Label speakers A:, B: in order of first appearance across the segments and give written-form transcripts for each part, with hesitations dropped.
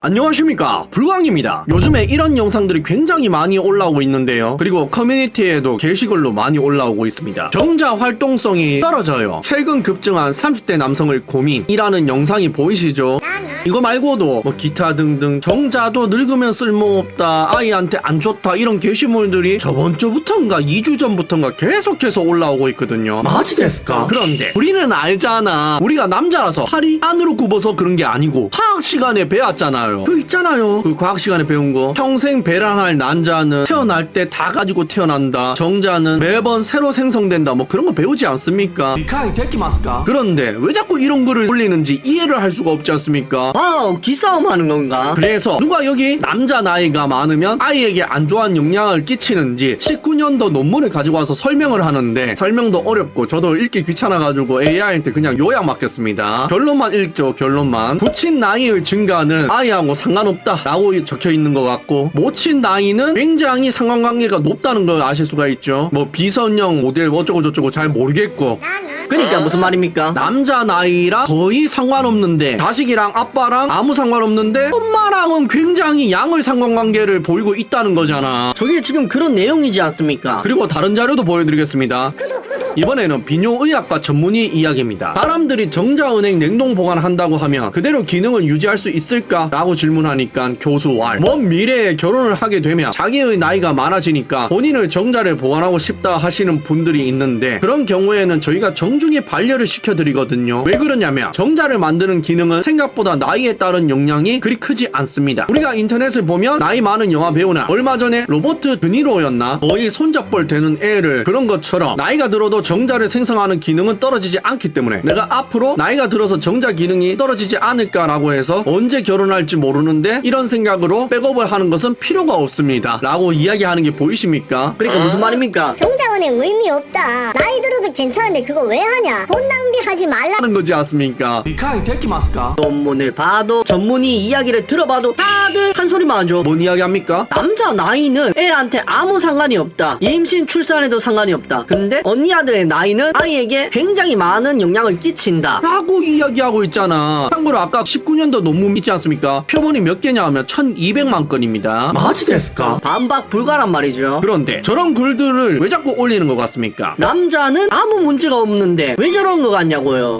A: 안녕하십니까, 불광입니다. 요즘에 이런 영상들이 굉장히 많이 올라오고 있는데요. 그리고 커뮤니티에도 게시글로 많이 올라오고 있습니다. 정자 활동성이 떨어져요. 최근 급증한 30대 남성의 고민이라는 영상이 보이시죠? 이거 말고도 뭐 기타 등등 정자도 늙으면 쓸모없다, 아이한테 안 좋다, 이런 게시물들이 저번 주부터인가 2주 전부터인가 계속해서 올라오고 있거든요. 마지 데스까? 그런데 우리는 알잖아. 우리가 남자라서 팔이 안으로 굽어서 그런 게 아니고 화학 시간에 배웠잖아요. 그 있잖아요, 그 과학 시간에 배운 거. 평생 배란할 난자는 태어날 때 다 가지고 태어난다, 정자는 매번 새로 생성된다, 뭐 그런 거 배우지 않습니까? 미카이 데키마스까? 그런데 왜 자꾸 이런 글을 올리는지 이해를 할 수가 없지 않습니까?
B: 와우, 기싸움 하는 건가?
A: 그래서 누가 여기 남자 나이가 많으면 아이에게 안 좋은 영향을 끼치는지 19년도 논문을 가지고 와서 설명을 하는데, 설명도 어렵고 저도 읽기 귀찮아가지고 AI한테 그냥 요약 맡겼습니다. 결론만 읽죠. 결론만. 붙인 나이의 증가는 아이하고 상관없다 라고 적혀 있는 것 같고, 모친 나이는 굉장히 상관관계가 높다는 걸 아실 수가 있죠. 뭐 비선형 모델 어쩌고 저쩌고 잘 모르겠고.
B: 그러니까 무슨 말입니까?
A: 남자 나이랑 거의 상관없는데, 자식이랑 아빠랑 아무 상관없는데 엄마랑은 굉장히 양의 상관관계를 보이고 있다는 거잖아.
B: 저게 지금 그런 내용이지 않습니까?
A: 그리고 다른 자료도 보여드리겠습니다. 이번에는 비뇨의학과 전문의 이야기입니다. 사람들이 정자은행 냉동 보관한다고 하면 그대로 기능을 유지할 수 있을까? 라고 질문하니까 교수 왈, 먼 미래에 결혼을 하게 되면 자기의 나이가 많아지니까 본인의 정자를 보관하고 싶다 하시는 분들이 있는데, 그런 경우에는 저희가 정중히 반려를 시켜드리거든요. 왜 그러냐면 정자를 만드는 기능은 생각보다 나이에 따른 영향이 그리 크지 않습니다. 우리가 인터넷을 보면 나이 많은 영화 배우나 얼마 전에 로버트 드니로였나 거의 손잡벌 되는 애를, 그런 것처럼 나이가 들어도 정자를 생성하는 기능은 떨어지지 않기 때문에 내가 앞으로 나이가 들어서 정자 기능이 떨어지지 않을까라고 해서 언제 결혼할지 모르는데 이런 생각으로 백업을 하는 것은 필요가 없습니다 라고 이야기하는 게 보이십니까?
B: 그러니까 무슨 말입니까?
C: 정자은행 의미 없다. 나이 들어도 괜찮은데 그거 왜 하냐? 돈 낭비하지 말라.
A: 하는 거지 않습니까? 미카이 데키마스까?
B: 논문을 봐도 전문의 이야기를 들어봐도 다들 한 소리만 하죠.
A: 뭔 이야기 합니까?
B: 남자 나이는 애한테 아무 상관이 없다, 임신 출산에도 상관이 없다, 근데 언니 아들의 나이는 아이에게 굉장히 많은 영향을 끼친다
A: 라고 이야기하고 있잖아. 참고로 아까 19년도 논문 있지 않습니까? 표본이 몇 개냐 하면 1200만 건입니다. 마지 데스까?
B: 반박 불가란 말이죠.
A: 그런데 저런 글들을 왜 자꾸 올리는 것 같습니까?
B: 남자는 아무 문제가 없는데 왜 저런 거 같냐고요.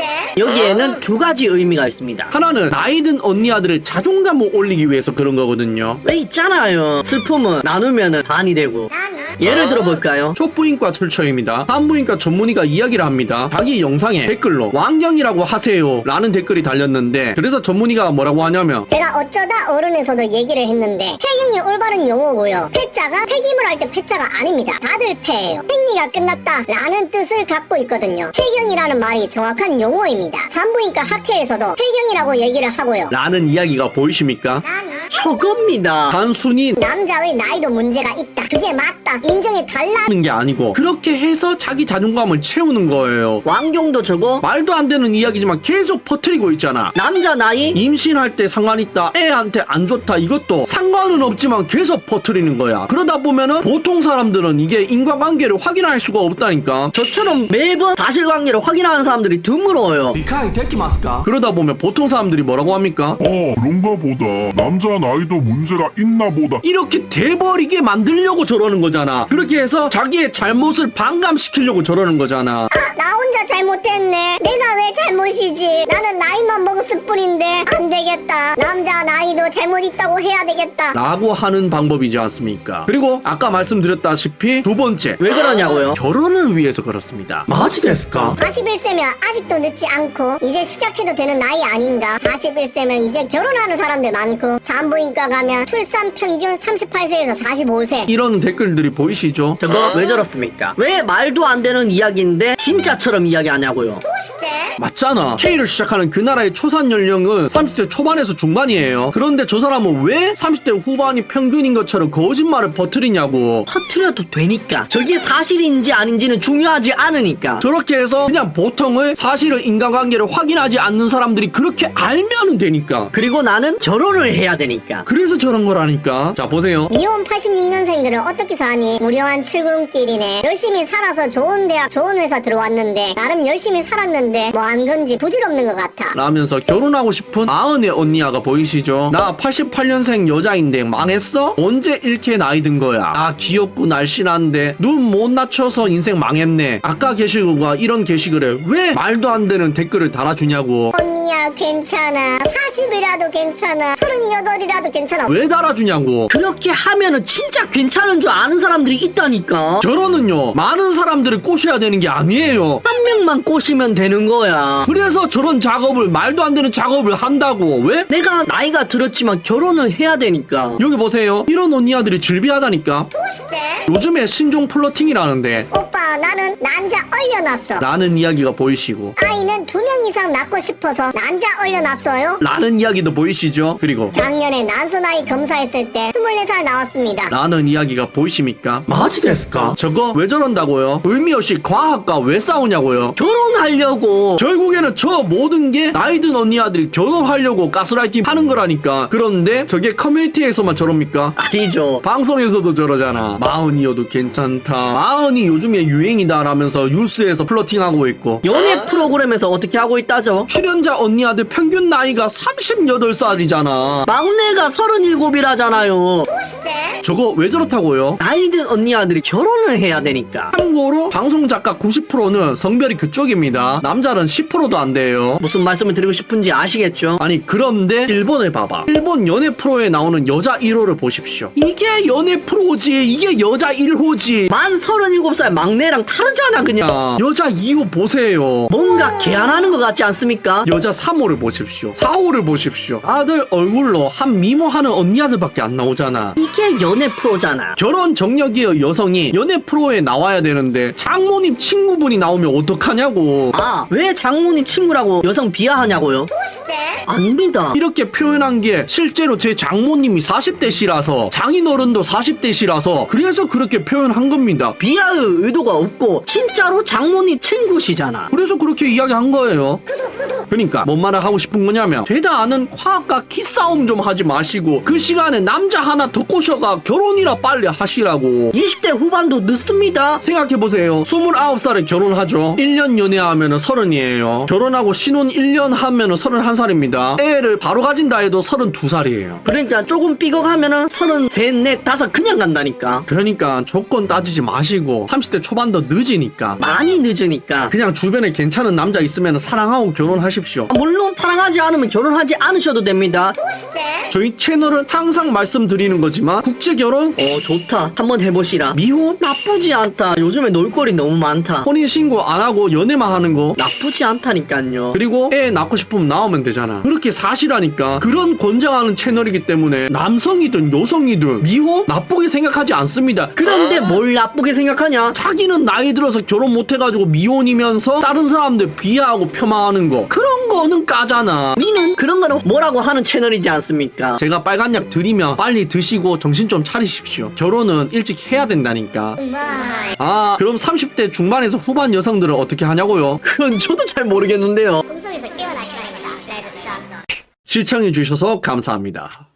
B: 여기에는 두 가지 의미가 있습니다.
A: 하나는 나이 든 언니 아들의 자존감을 올리기 위해서 그런 거거든요.
B: 왜 있잖아요, 슬픔은 나누면 반이 되고. 예를 들어볼까요?
A: 촉부인과 출처입니다. 산부인과 전문의가 이야기를 합니다. 자기 영상에 댓글로 왕경이라고 하세요 라는 댓글이 달렸는데, 그래서 전문의가 뭐라고 하냐면,
C: 제가 어쩌다 어른에서도 얘기를 했는데 폐경이 올바른 용어고요. 폐자가 폐기물 할 때 폐자가 아닙니다. 다들 폐예요. 생리가 끝났다 라는 뜻을 갖고 있거든요. 폐경이라는 말이 정확한 용어입니다. 산부인과 학회에서도 폐경이라고 얘기를 하고요.
A: 라는 이야기가 보이십니까?
B: 저겁니다.
A: 단순히
C: 남자의 나이도 문제가 있다, 그게 맞다, 인정해 달라.
A: 는 게 아니고 그렇게 해서 자기 자존감을 채우는 거예요.
B: 왕경도 저거
A: 말도 안 되는 이야기지만 계속 퍼뜨리고 있잖아.
B: 남자 나이
A: 임신할 때 상관 있다, 애한테 안 좋다, 이것도 상관은 없지만 계속 퍼뜨리는 거야. 그러다 보면은 보통 사람들은 이게 인과관계를 확인할 수가 없다니까.
B: 저처럼 매번 사실관계를 확인하는 사람들이 드물어요.
A: 미카이 데키마스까? 그러다 보면 보통 사람들이 뭐라고 합니까?
D: 그런가 보다. 남자 나이도 문제가 있나 보다.
A: 이렇게 돼버리게 만들려고 저러는 거잖아. 그렇게 해서 자기의 잘못을 반감시키려고 저러는 거잖아.
C: 나 혼자 잘못했네. 내가 왜 잘못이지? 나는 나이만 먹었을 뿐인데 안 되겠다. 남자 나이도 잘못 있다고 해야 되겠다.
A: 라고 하는 방법이지 않습니까? 그리고 아까 말씀드렸다시피 두 번째,
B: 왜 그러냐고요?
A: 결혼을 위해서 그렇습니다. 마지 데스까?
C: 41세면 아직도 늦지 않고 이제 시작해도 되는 나이 아닌가? 41세면 이제 결혼하는 사람들 많고, 산부인과 가면 출산 평균 38세에서 45세.
A: 이런 댓글들이 보이시죠?
B: 저거 왜 저렇습니까? 왜 말도 안 되는 이야기인데 진짜처럼 이야기하냐고요.
A: 맞잖아. K를 시작하는 그 나라의 초산 연령은 30대 초반에서 중반이에요. 그런데 저 사람은 왜 30대 후반이 평균인 것처럼 거짓말을 퍼뜨리냐고.
B: 터트려도 되니까. 저게 사실인지 아닌지는 중요하지 않으니까.
A: 저렇게 해서 그냥 보통의 사실의 인간관계를 확인하지 않는 사람들이 그렇게 알면은 되니까.
B: 그리고 나는 결혼을 해야 되니까.
A: 그래서 저런 거라니까. 자, 보세요.
C: 미혼 86년생들은 어떻게 사니? 무료한 출근길이네. 열심히 살아서 좋은 대학 좋은 회사 들어왔는데 나름 열심히 살았는데 뭐 한 건지 부질없는 것 같아.
A: 라면서 결혼하고 싶은 마흔의 언니야가 보이시죠? 나 88년생 여자인데 망했어? 언제 이렇게 나이 든 거야? 아 귀엽고 날씬한데 눈 못 낮춰서 인생 망했네. 아까 게시글과 이런 게시글에 왜 말도 안 되는 댓글을 달아주냐고.
C: 언니야 괜찮아. 40이라도 괜찮아. 38이라도 괜찮아.
A: 왜 달아주냐고.
B: 그렇게 하면은 진짜 괜찮은 줄 아는 사람들이 있다니까.
A: 결혼은요 많은 사람들을 꼬셔야 되는 게 아니에요.
B: 한 명만 꼬시면 되는 거야.
A: 그래서 저런 작업을 말도 안 되는 작업을 한다고. 왜?
B: 내가 나이가 들었지만 결혼을 해야 되니까.
A: 여기 보세요. 이런 언니아들이 즐비하다니까.
C: 시대?
A: 요즘에 신종 플러팅이라는데
C: 오빠 나는 난자 얼려놨어.
A: 라는 이야기가 보이시고
C: 아이는 2명 이상 낳고 싶어서 난자 얼려놨어요.
A: 라는 이야기도 보이시죠? 그리고
C: 작년에 난소나이 검사했을 때 24살 나왔습니다.
A: 라는 이야기가 보이십니까? 마지 됐을까? 저거 왜 저런다고요? 의미 없이 과학과 왜 싸우냐고요?
B: 결혼하려고.
A: 결국에는 저 모든 게 나이든 언니아들이 결혼하려고 가스라이팅 하는 거라니까. 그런데 저게 커뮤니티에서만 저럽니까?
B: 아니죠.
A: 방송에서도 저러잖아. 마흔이어도 괜찮다. 마흔이 요즘에 유행이다 라면서 뉴스에서 플러팅하고 있고
B: 연애 프로그램에서 어떻게 하고 있다죠?
A: 출연자 언니아들 평균 나이가 38살이잖아.
B: 막내가 37이라잖아요.
C: 시대?
A: 저거 왜 저렇다고요?
B: 나이든 언니 아들이 결혼을 해야 되니까.
A: 참고로 방송작가 90%는 성별이 그쪽입니다. 남자는 10%도 안 돼요.
B: 무슨 말씀을 드리고 싶은지 아시겠죠?
A: 아니 그런데 일본을 봐봐. 일본 연애 프로에 나오는 여자 1호를 보십시오. 이게 연애 프로지. 이게 여자 1호지.
B: 만 37살 막내랑 다르잖아 그냥.
A: 여자 2호 보세요.
B: 뭔가 개안하는 것 같지 않습니까?
A: 여자 3호를 보십시오. 4호를 보십시오. 아들 얼굴로 한 미모하는 언니 아들밖에 안 나오잖아.
B: 이게 연애 프로잖아.
A: 결혼 정력의 여성이 연애 프로에 나와야 되는데 장모님 친구분이 나오면 어떡하냐고.
B: 아, 왜 장모님 친구라고 여성 비하하냐고요?
C: 시대?
B: 아닙니다.
A: 이렇게 표현한 게 실제로 제 장모님이 40대시라서 장인어른도 40대시라서 그래서 그렇게 표현한 겁니다.
B: 비하의 의도가 없고 진짜로 장모님 친구시잖아.
A: 그래서 그렇게 이야기한 거예요. 그러니까 뭔 말을 하고 싶은 거냐면 되다 않은 과학과 기싸움 좀 하지 마시고 그 시간에 남자 하나 더 꼬셔가 결혼이라 빨리 하시라고.
B: 20대 후반도 늦습니다.
A: 생각해보세요. 29살에 결혼하죠. 1년 연애하면 30이에요. 결혼하고 신혼 1년 하면 31살입니다. 애를 바로 가진다 해도 32살이에요.
B: 그러니까 조금 삐걱하면은 33, 4, 5 그냥 간다니까.
A: 그러니까 조건 따지지 마시고 30대 초반도 늦으니까
B: 많이 늦으니까.
A: 그냥 주변에 괜찮은 남자 있으면 사랑하고 결혼하십시오.
B: 물론 사랑하지 않으면 결혼하지 않으셔도 됩니다.
C: 시대?
A: 저희 채널은 항상 말씀드리는 거지만 국제결혼,
B: 좋다. 한번 해보시라.
A: 미혼,
B: 나쁘지 않다. 요즘에 놀거리 너무 많다.
A: 혼인신고 안 하고 연애만 하는 거,
B: 나쁘지 않다니까요.
A: 그리고 애 낳고 싶으면 나오면 되잖아. 그렇게 사시라니까. 그런 권장하는 채널이기 때문에 남성이든 여성이든 미혼 나쁘게 생각하지 않습니다.
B: 그런데 뭘 나쁘게 생각하냐?
A: 자기는 나이 들어서 결혼 못 해가지고 미혼이면서 다른 사람들 비하하고 폄하하는 거, 그런 거는 까잖아.
B: 우리는 그런 거는 뭐라고 하는 채널이지 않습니까?
A: 제가 빨간 약 드리면 빨리 드시고 정신 좀 차리십시오. 결혼은 일찍 해야 된다니까.
C: 마이.
A: 아, 그럼 30대 중반에서 후반 여성들은 어떻게 하냐고요?
B: 그건 저도 잘 모르겠는데요.
C: 꿈속에서 깨어날 시간입니다. 레드 썬.
A: 시청해주셔서 감사합니다.